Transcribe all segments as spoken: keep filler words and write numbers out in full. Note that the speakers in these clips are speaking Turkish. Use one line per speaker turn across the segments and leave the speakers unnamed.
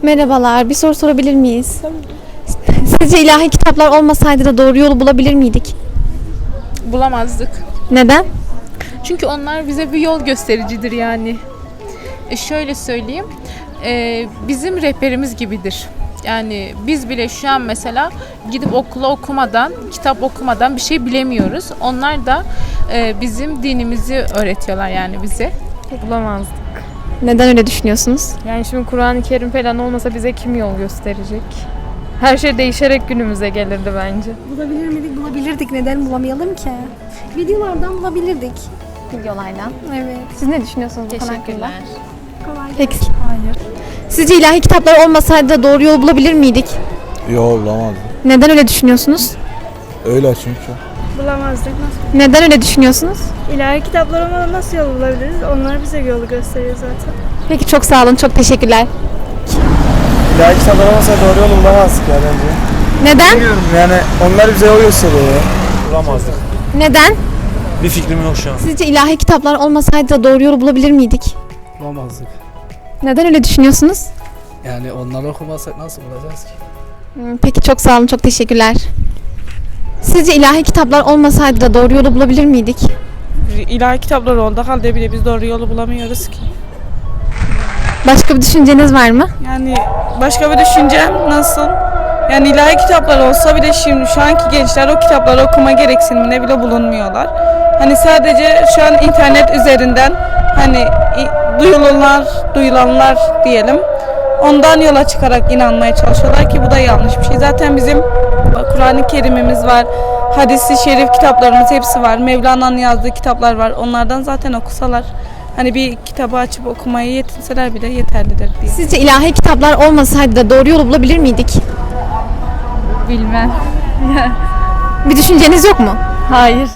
Merhabalar, bir soru sorabilir miyiz? Sizce ilahi kitaplar olmasaydı da doğru yolu bulabilir miydik?
Bulamazdık.
Neden?
Çünkü onlar bize bir yol göstericidir yani. E şöyle söyleyeyim, e, bizim rehberimiz gibidir. Yani biz bile şu an mesela gidip okula okumadan, kitap okumadan bir şey bilemiyoruz. Onlar da e, bizim dinimizi öğretiyorlar yani bize.
Bulamazdık.
Neden öyle düşünüyorsunuz?
Yani şimdi Kur'an-ı Kerim falan olmasa bize kim yol gösterecek? Her şey değişerek günümüze gelirdi bence.
Bulabilir miydik? Bulabilirdik. Neden bulamayalım ki? Videolardan bulabilirdik.
Videolardan.
Evet.
Siz ne düşünüyorsunuz bu konu hakkında?
Teşekkürler.
Kolay
Peki.
Hayır.
Sizce ilahi kitaplar olmasaydı da doğru yolu bulabilir miydik?
Yok bulamazdım.
Neden öyle düşünüyorsunuz?
Öyle çünkü.
Bulamazdık. Nasıl?
Neden öyle düşünüyorsunuz?
İlahi kitaplar olmadan nasıl yol bulabiliriz? Onlar bize yolu gösteriyor zaten.
Peki çok sağ olun, çok teşekkürler.
İlahi kitaplar olmasa doğru yolu bulamazdık ya bence.
Neden?
Bilmiyorum yani onlar bize yol gösteriyor ya.
Bulamazdık.
Neden?
Bir fikrim yok şu an.
Sizce ilahi kitaplar olmasaydı da doğru yolu bulabilir miydik?
Bulamazdık.
Neden öyle düşünüyorsunuz?
Yani onları okumazsak nasıl bulacağız ki?
Hmm, Peki çok sağ olun, çok teşekkürler. Sizce ilahi kitaplar olmasaydı da doğru yolu bulabilir miydik?
İlahi kitaplar olduğu halde bile biz doğru yolu bulamıyoruz ki.
Başka bir düşünceniz var mı?
Yani başka bir düşüncem nasıl? Yani ilahi kitaplar olsa bile şimdi şu anki gençler o kitapları okuma gereksinimine bile bulunmuyorlar. Hani sadece şu an internet üzerinden hani duyulanlar, duyulanlar diyelim. Ondan yola çıkarak inanmaya çalışıyorlar ki bu da yanlış bir şey. Zaten bizim Kur'an-ı Kerim'imiz var, hadis-i şerif kitaplarımız hepsi var. Mevlana'nın yazdığı kitaplar var. Onlardan zaten okusalar, hani bir kitabı açıp okumaya yetinseler bile yeterlidir diye.
Sizce ilahi kitaplar olmasaydı da doğru yolu bulabilir miydik?
Bilmem.
Bir düşünceniz yok mu?
Hayır.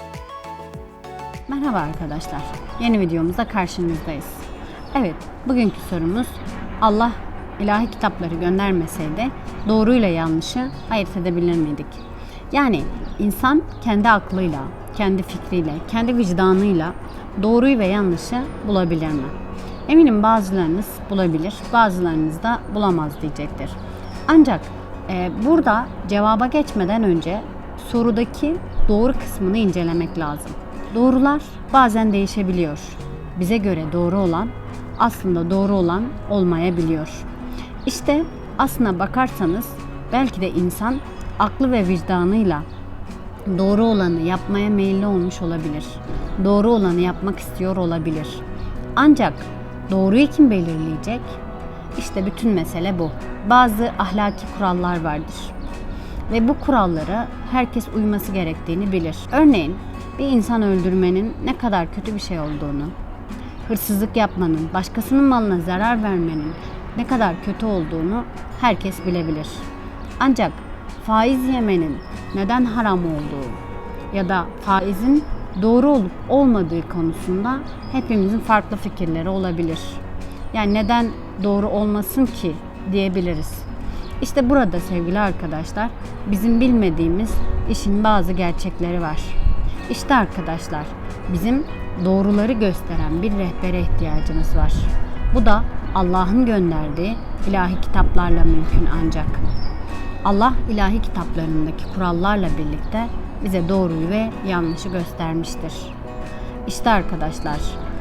Merhaba arkadaşlar. Yeni videomuzda karşınızdayız. Evet, bugünkü sorumuz Allah ilahi kitapları göndermeseydi doğruyla yanlışı ayırt edebilir miydik? Yani insan kendi aklıyla, kendi fikriyle, kendi vicdanıyla doğruyu ve yanlışı bulabilir mi? Eminim bazılarınız bulabilir, bazılarınız da bulamaz diyecektir. Ancak e, burada cevaba geçmeden önce sorudaki doğru kısmını incelemek lazım. Doğrular bazen değişebiliyor. Bize göre doğru olan aslında doğru olan olmayabiliyor. İşte aslına bakarsanız belki de insan aklı ve vicdanıyla doğru olanı yapmaya meyilli olmuş olabilir. Doğru olanı yapmak istiyor olabilir. Ancak doğruyu kim belirleyecek? İşte bütün mesele bu. Bazı ahlaki kurallar vardır. Ve bu kurallara herkes uyması gerektiğini bilir. Örneğin bir insan öldürmenin ne kadar kötü bir şey olduğunu, hırsızlık yapmanın, başkasının malına zarar vermenin ne kadar kötü olduğunu herkes bilebilir. Ancak faiz yemenin neden haram olduğu ya da faizin doğru olup olmadığı konusunda hepimizin farklı fikirleri olabilir. Yani neden doğru olmasın ki diyebiliriz. İşte burada sevgili arkadaşlar bizim bilmediğimiz işin bazı gerçekleri var. İşte arkadaşlar bizim doğruları gösteren bir rehbere ihtiyacımız var. Bu da Allah'ın gönderdiği ilahi kitaplarla mümkün ancak. Allah ilahi kitaplarındaki kurallarla birlikte bize doğruyu ve yanlışı göstermiştir. İşte arkadaşlar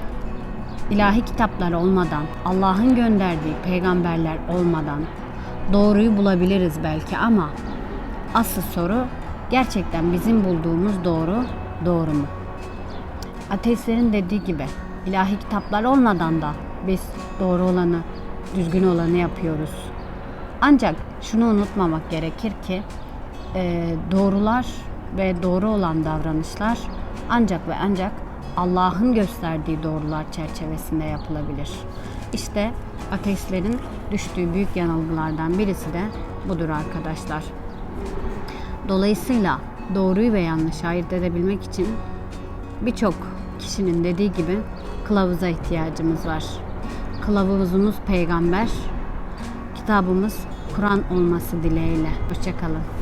ilahi kitaplar olmadan, Allah'ın gönderdiği peygamberler olmadan doğruyu bulabiliriz belki ama asıl soru gerçekten bizim bulduğumuz doğru doğru mu? Ateistlerin dediği gibi ilahi kitaplar olmadan da biz doğru olanı, düzgün olanı yapıyoruz. Ancak şunu unutmamak gerekir ki e, doğrular ve doğru olan davranışlar ancak ve ancak Allah'ın gösterdiği doğrular çerçevesinde yapılabilir. İşte ateistlerin düştüğü büyük yanılgılardan birisi de budur arkadaşlar. Dolayısıyla doğruyu ve yanlışı ayırt edebilmek için birçok kişinin dediği gibi kılavuza ihtiyacımız var. Kılavuzumuz peygamber, kitabımız Kur'an olması dileğiyle. Hoşça kalın.